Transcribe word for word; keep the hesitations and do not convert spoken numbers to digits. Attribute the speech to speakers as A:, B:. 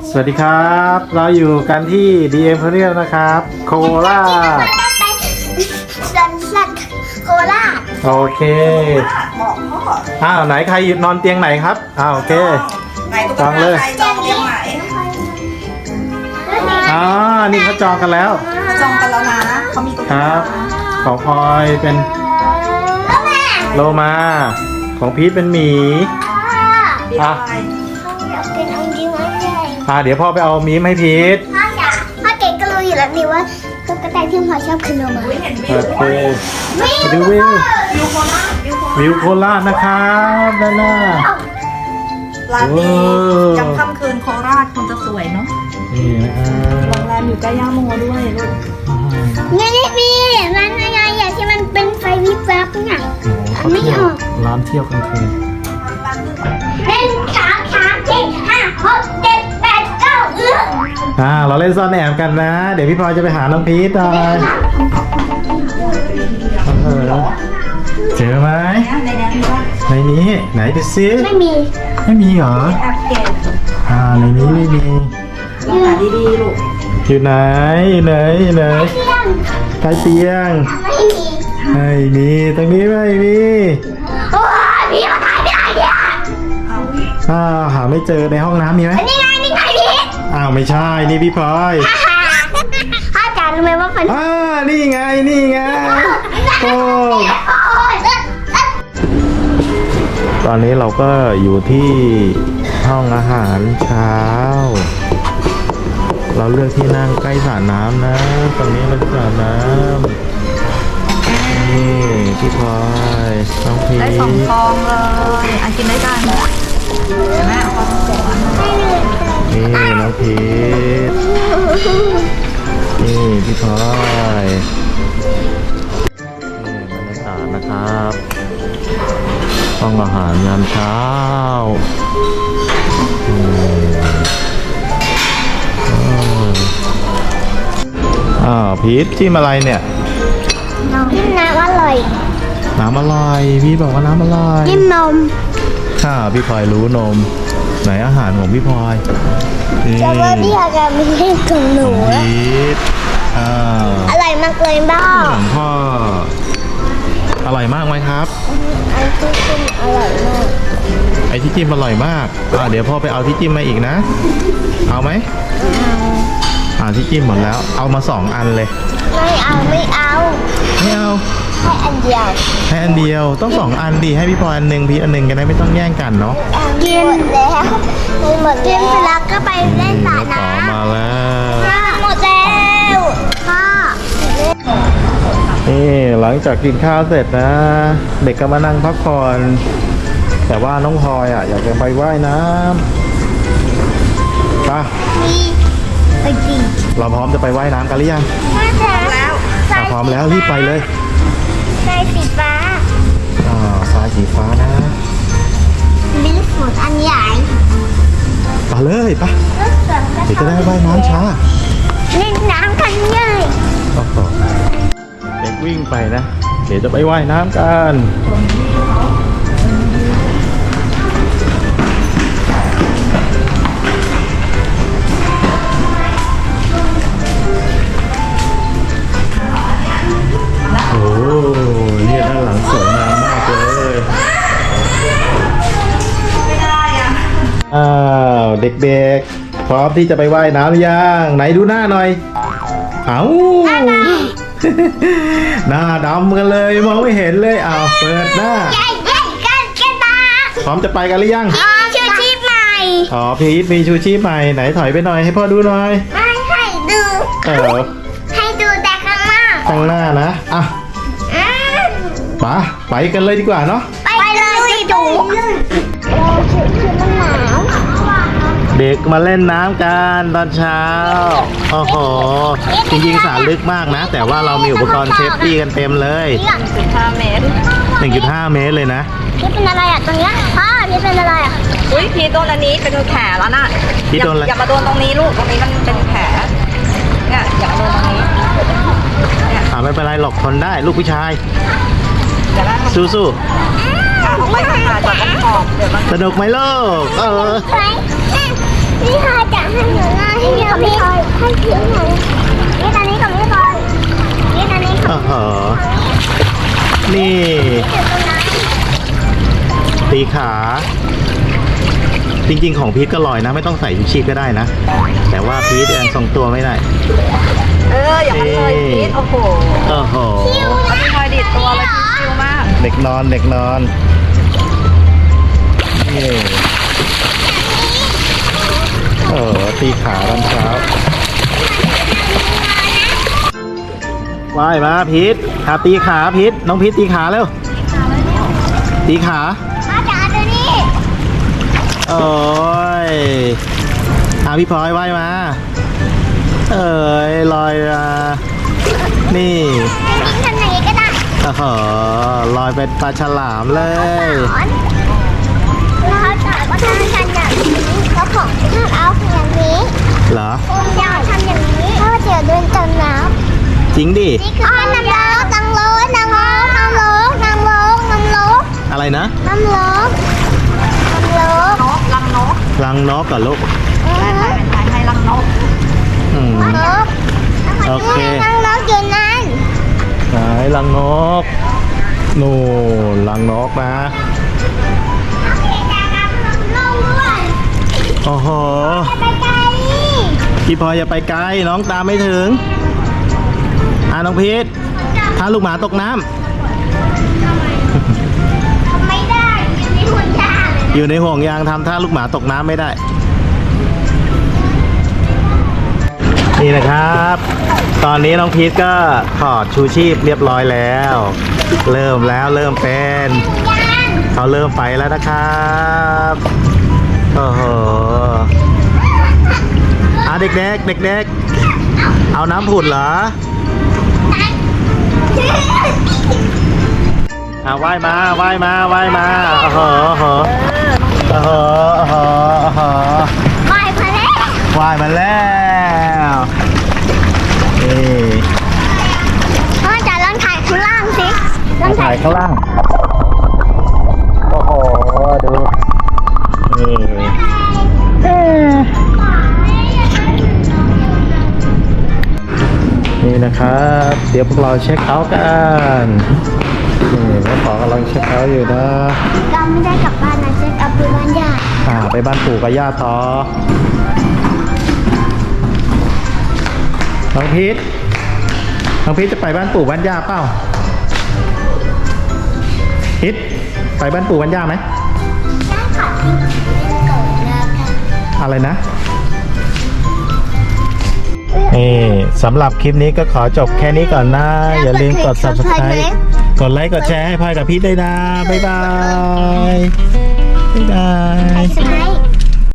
A: สวัสดีครับเราอยู่กันที่ ดี เอ็ม Emporium นะครับโคราช
B: สันสัตโคราช
A: โอเค
C: บอกพ่อ
A: อ้าวไหนใครนอนเตียงไหนครับอ้าวโอเค
C: ไหนตุ๊กตาใครจองเตียงไหน
A: อ๋อนี่เขาจองกันแล้ว
C: จองกันแล้วนะเขามีตุ๊ก
A: ค
C: ตา
A: รับของพลอยเป็นโลมาของพีทเป็นหมี
C: เดี๋ยวอะไร
B: อยากเป็นองค์จริงไหมใช่
A: อ่าเดี๋ยวพ่อไปเอามีมให้พีท
B: พ่ออยากพ่อเก๋ก็รู้อยู่แล้วนี่ว่าตุ๊กตาที่พ่อชอบคือโลมา
C: อุ้ยเห็นวิ
A: โอ
C: ว
A: เคไปดูวิว
C: วิวโคราชวิวโคราช
A: วิวโคราชนะครับด้านหน้า
C: ร้านนี้
A: โอ้
C: จำค่ำคืนโคราชคงจะสวยเนาะ
A: นี่นะครับ
C: โรงแรมอยู่ใกล้ย่าโมด้วยลูก
B: นี่นี่พี่ร้านอะไรอย่างที่มันเป็นไฟวิบวับเนี่ย
A: โอ้โหเขาเที่ยวร้านเที่ยวกลางคืน
B: หนึ่งสองสามสี่ห้าหกเจ็ดแปดเก้าเอื้อ
A: อ่าเราเล่นซ่อนแอบกันนะ เดี๋ยวพี่พลอยจะไปหาน้องพีทหน่อยเออเจอไหม
C: ในนี้มีว่า
A: ในนี้ไหนดูซิ
B: ไม่มี
A: ไม่มีเหรอ
C: แอบเก็บ
A: อ่าในนี้ไม่มี
C: ลองหาดีๆลูก
A: อยู่ไหนไหนไหน
B: เที่ยง
A: ใต้เตียง
B: ไม่มี
A: ไม่มีตรงนี้ไม่มี
B: โอ้ยพี่มาถ่ายไม่ได้เนี่ย
C: เอา
A: อ้าวหาไม่เจอในห้องน้ำมีไหม
B: นี่ไงนี่ไงพี่
A: อ้าวไม่ใช่นี่พี่พลอย
B: พ่อจ๋ารู้ไหมว่าคน
A: อ่านี่ไงนี่ไงโอ้
B: โอ้ยเลิศเลิศ
A: ตอนนี้เราก็อยู่ที่ห้องอาหารเช้า เราเลือกที่นั่งใกล้สระน้ำนะตรงนี้เป็นสระน้ำนี่พี่พลอยน้องพี
C: ได้สองฟองเลยอันกินได้กันเห็นไหมเอาฟองสอง
A: นี่น้องพีทนี่พี่พลอยนี่บรรยากาศนะครับห้องอาหารยามเช้าอืมอ้าวพีทจิ้มอะไรเนี่ย
B: น้ำจิ้มน้ำอร่อย
A: น้ำอร่อยพี่บอกว่าน้ำอร่อย
B: จิ้มนม
A: ค่ะพี่พลอยรู้นมไหนอาหารของพี่พลอยนี่
B: จะว่าพี่อาการไม่ใช่ของหนู
A: ของพีทอ้าว
B: อร่อยมากเลยบ้า
A: ของพ่ออร่อยมากไหมครับ
B: อันที่จิ้มอร่อยมาก
A: ไอที่จิ้มอร่อยมากอ่าเดี๋ยวพ่อไปเอาที่จิ้มมาอีกนะ เอาไหมอ่าที่จิ้มหมดแล้ว เอามาสองอันเลย
B: ไม่เอาไม่เอา
A: ไม่เอา
B: ให้อันเดียว
A: ให้อันเดียวต้องสองอันดีให้พี่พลอยอันหนึ่งพี่อันหนึ่งกันได้ไม่ต้องแย่งกันเนาะ
B: กินหมดแล้วกินหมดกินไปแล้วก็ไปเล่นสระ
A: ต่อ
B: น้ำ
A: มาแล้ว
B: หมดแล้วพ่อ
A: นี่หลังจากกินข้าวเสร็จนะ เด็กก็มานั่งพักผ่อนแต่ว่าน้องพลอยอ่ะอยากจะไปว่ายน้ำไป
B: มีไปดี
A: เราพร้อมจะไปว่ายน้ำกันหรือยัง
B: พ่อจ๋า
C: แล้ว
A: อ่ะพร้อมแล้วรีบไปเลย
B: ใส่สีฟ้า
A: อ่าสายสีฟ้านะ
B: มีลูกหมุนอันใหญ่
A: ไปเลยไป
B: ลูกสวนก็
A: เดี๋ยวจะได้ว่ายน้ำช้า
B: เล่นน้ำกันใหญ่
A: โอ้โหเด็กวิ่งไปนะ เดี๋ยวจะไปว่ายน้ำกันโอ้เนี่ยด้านหลังสวยงามมากเลย
C: ไม่ได้อ่ะ
A: อ้าวเด็กๆ พร้อมที่จะไปว่ายน้ำหรือยังไหนดูหน้าหน่อยเอ้า หน้าดำกันเลยมองไม่เห็นเลยอ้าวเปิดหน้า
B: ใหญ่ใหญ่กันกันตา
A: พร้อมจะไปกันหรือยัง
B: อ๋อชื่อชีพใหม่
A: อ๋อพีทมีชูชีพใหม่ไหนถอยไปหน่อยให้พ่อดูหน่อย
B: ไม่ให้ดู
A: เออ
B: ให้ดูแต่ข้างหน้า
A: ข้างหน้านะอ่ะ
B: อืม
A: ไปไปกันเลยดีกว่าเนาะ
B: ไปเลยดูเราชุดชุดมันหนาว
A: เด็กมาเล่นน้ำกันตอนเช้าโอ้โหจริงๆสระลึกมากนะ แต่ว่าเรามีอุปกรณ์เซฟตี้กันเต็มเลย
B: นี่อ่ะ
C: สิบห้าเมตร
A: หนึ่งจุดห้า เมตรเลยนะ
B: นี่เป็นอะไรอ่ะตรงเนี้ยพ่อนี่เป็นอะไรอ่ะ
C: อุ้ยพีโดนอันนี้เป็นแผลแล้วน่ะ
A: พีทโดนอะไร
C: อย่ามาโดนตรงนี้ลูกตรงนี้มันเป็นแผลเนี่ยอย่ามาโดนตรงนี้เนี่ย
A: อ่าไม่เป็นไรหรอกทนได้ลูกผู้ชาย
C: อย่าล่าง
A: สู้
C: ขาออกไปขาจากตรงขอบเดี๋ยวมัน
A: ๆสนุกไหมลูกเออ
B: ไปพี่พายจะให้หนูหน้าให้พี่พี่ให้พี่หน่อยนี่ตอนนี้กับพี่พายนี่ตอนนี้กับ
A: โอ้โหนี่
B: จุดตรงนั้น
A: ตีขา จริงๆของพีทก็ลอยนะ ไม่ต้องใส่ชูชีพก็ได้นะ แต่ว่าพีทยังทรงตัวไม่ได้
C: เอออย่างนั้นเลยพีทโอ้โห
A: โอ้โห
C: เขาเป็นคอยดีดตัวเลยชิวมาก
A: เด็กนอนเด็กนอนนี่โอ้โหตีขาตอนเช้าว่ายมาพีทขาตีขาพีทน้องพีทตีขาเร็วตีขา
B: อาจารย์ตัวนี้
A: โอ้ยอาพี่พลอยว่ายมา เอ้ยลอยมานี่
B: จริงๆทำอย่างนี้ก็ได้
A: โอ้โหลอยเป็นปลาฉลามเลย
B: สอนแล้วเขาสอนว่าทำกันอย่างนี้เขาของห้ามเอาอย่างนี้
A: เหรอ
B: อย่าทำอย่างนี้เพราะว่าเดี๋ยวโดนจมน้ำ
A: จริงดิ
B: อ๋อน้ำร้อนน้ำร้อนน้ำร้อนน้ำร้อนน้ำร้อนน้ำร้อน
A: อะไรนะ
B: น้ำร้อนน้ำร้อน
C: นกลังนก
A: รังนกกับลูก
C: ได้ไหมเป็นไงให้ลังนก
A: อืม
B: นก
A: โอเค
B: น้ำร้อนอยู่นั่น
A: ไหนรังนก นู่นรังนกนะ โอ้โห
B: ไปไกล
A: พี่พลอยอย่าไปไกล น้องตามไม่ถึง อ่าน้องพีทถ้าลูกหมาตกน้ำ
B: ไม่ได้อยู่ในหุ่นยาง
A: อยู่ในห่วงยางทำท่าลูกหมาตกน้ำไม่ได้ นี่นะครับ ตอนนี้น้องพีทก็ถอดชูชีพเรียบร้อยแล้ว เริ่มแล้วเริ่มเป็นเขาเริ่มไปแล้วนะครับโอ้โหอ่ะเด็กๆเด็กๆเอาน้ำผุดเหรออ่ะว่ายมาว่ายมาว่ายมาโอ้โหโอ้โหโอ้โหโอ้โห
B: ไม่พอแล้ว
A: ว่ายมาแล้วนี่
B: พ่อจะลองถ่ายข้างล่างสิลอ
A: มาง
B: ถ่า
A: ถ่าย ยข้างล่างโอ้โหดูนี่นี่นะครับเดี๋ยวพวกเราเช็คเอาท์กันนี่แม่ป๋อกำลังเช็คเอาท์อยู่นะ
B: เราไม่ได้กลับบ้านนะเช็คเอาไปบ้านญาติ
A: อ่าไปบ้านปู่กับย่าต่อน้องพีทน้องพีทจะไปบ้านปู่บ้านย่าเปล่าพีทไปบ้านปู่บ้านย่าไหม
B: ได้ค่ะที่โกรธแล้วกัน
A: อะไรนะนี่สำหรับคลิปนี้ก็ขอจบแค่นี้ก่อนนะ อย่าลืมกด ซับสไครบ์ กดไลค์กดแชร์ให้พลอยกับพีทด้วยนะ บ๊ายบาย บ๊ายบาย
B: สไลด์